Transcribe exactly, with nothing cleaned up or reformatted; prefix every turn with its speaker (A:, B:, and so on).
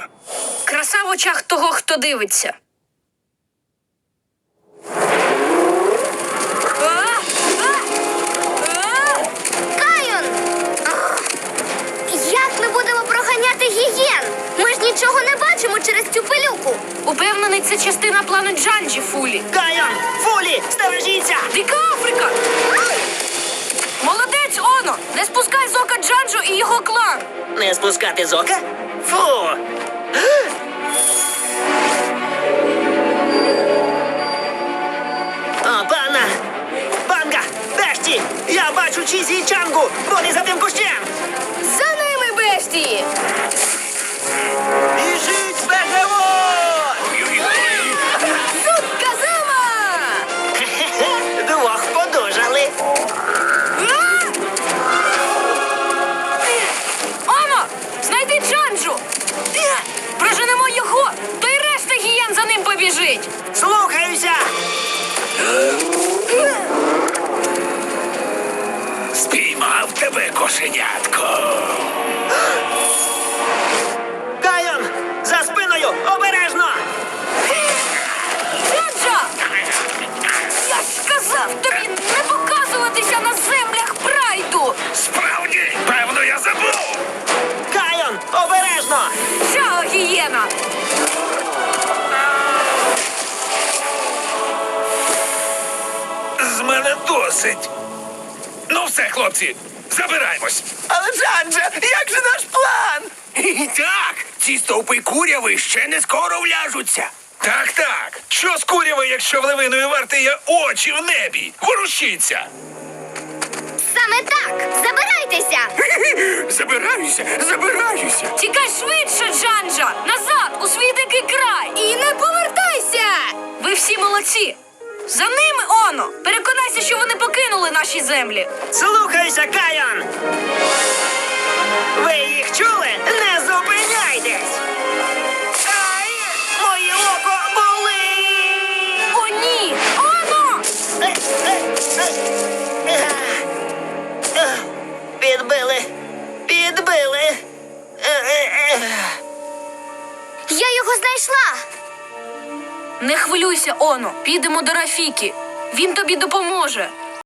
A: Краса в очах того, хто дивиться.
B: Кайон! Як ми будемо проганяти гієн? Ми ж нічого не бачимо через цю пилюку.
A: Упевнений, це частина плану Джанджі, Фулі.
C: Кайон! Фулі! Стережіться!
A: Дика Африка! Молодець, Оно! Не спускай з ока Джанджу і його клан!
C: Не спускати з ока? Фу! О, пана! Банга! Бешті! Я бачу Чізі і Чангу! Вони за тим кущем!
A: За ними, Бешті!
C: Біжить бегемот!
A: Казума!
C: Двох подужали!
A: Оно! Знайди Джанджу! Проженемо його, то й решта гієн за ним побіжить!
C: Слухаюся!
D: Спіймав тебе, кошенятко.
C: Кайон! За спиною! Обережно!
A: Джанджа! Я ж казав тобі не показуватися на землях прайду!
D: Справді, певно, я забув.
C: Кайон! Обережно!
A: Чао, гієна!
D: З мене досить. Ну все, хлопці, забираємось.
C: Але, Джанджа, як же наш план?
D: Так, ці стовпи куряви ще не скоро вляжуться. Так, так. Що з куряви, якщо в левиної варти є очі в небі? Ворушіться!
B: Саме так! Забирайтеся!
D: Забираюся, забираюся.
A: Тікай швидше, Джанджа! Назад, у свій дикий край! І не повертайся! Ви всі молодці! За ними, Оно! Переконайся, що вони покинули наші землі!
C: Слухайся, Кайон! Ви їх чули? Не зупиняйтесь! Ай! Моє око болить!
A: О, ні! Оно!
C: Е, е, е, е. Е, Підбили! Підбили! Е, е, е.
B: Я його знайшла!
A: Не хвилюйся, Оно! Підемо до Рафіки! Він тобі допоможе!